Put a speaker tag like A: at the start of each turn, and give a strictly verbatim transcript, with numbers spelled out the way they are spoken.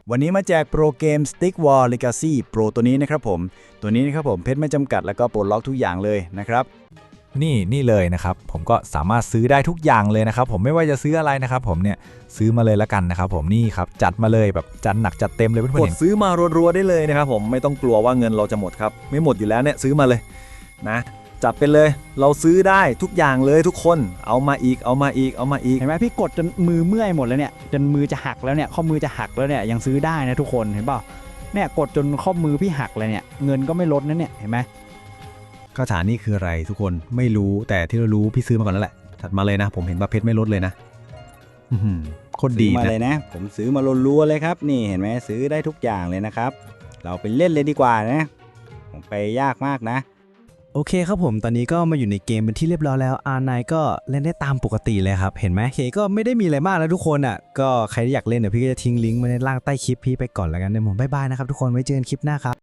A: วันนี้มาแจกโปรเกม Stick War Legacy Pro ตัวนี้นะครับผมตัวนี้นะครับผมเพชรไม่จำกัดแล้วก็ปลดล็อกทุกอย่างเลยนะครับ
B: นี่นี่เลยนะครับผมก็สามารถซื้อได้ทุกอย่างเลยนะครับผมไม่ว่าจะซื้ออะไรนะครับผมเนี่ยซื้อมาเลยแล้วกันนะครับผมนี่ครับจัดมาเลยแบบจัดหนักจัดเต็มเลยเพื่อนๆ
C: กด
B: เห็น
C: ซื้อมารัวๆได้เลยนะครับผมไม่ต้องกลัวว่าเงินเราจะหมดครับไม่หมดอยู่แล้วเนี่ยซื้อมาเลยนะจัดไปเลยเราซื้อได้ทุกอย่างเลยทุกคนเอามาอีกเอามาอีกเอามาอีก
D: เห็นไหมพี่กดจนมือเมื่อยหมดแล้วเนี่ยจนมือจะหักแล้วเนี่ยข้อมือจะหักแล้วเนี่ยยังซื้อได้นะทุกคนเห็นเปล่าเนี่ยกดจนข้อมือพี่หักเลยเนี่ยเงินก็ไม่ลดนะเนี่ยเห็นไหม
C: คาถานี่คืออะไรทุกคนไม่รู้แต่ที่เรารู้พี่ซื้อมาก่อนแล้วแหละถัดมาเลยนะผมเห็นบาเพชรไม่ลดเลยนะอื้อหือโคตรดี
A: ซื้อมา
C: นะ
A: เลยนะผมซื้อมารัวๆเลยครับนี่เห็นไหมซื้อได้ทุกอย่างเลยนะครับเราไปเล่นเลยดีกว่านะผมไปยากมากนะ
E: โอเคครับผมตอนนี้ก็มาอยู่ในเกมเป็นที่เรียบร้อยแล้ว อาร์ ไนน์ ก็เล่นได้ตามปกติเลยครับเห็นไหมโอเคก็ไม่ได้มีอะไรมากแล้วทุกคนอ่ะก็ใครที่อยากเล่นเดี๋ยวพี่ก็จะทิ้งลิงก์ไว้ในล่างใต้คลิปพี่ไปก่อนแล้วกันเดี๋ยวผมบ๊ายบายนะครับทุกคนไว้เจอกันคลิปหน้าครับ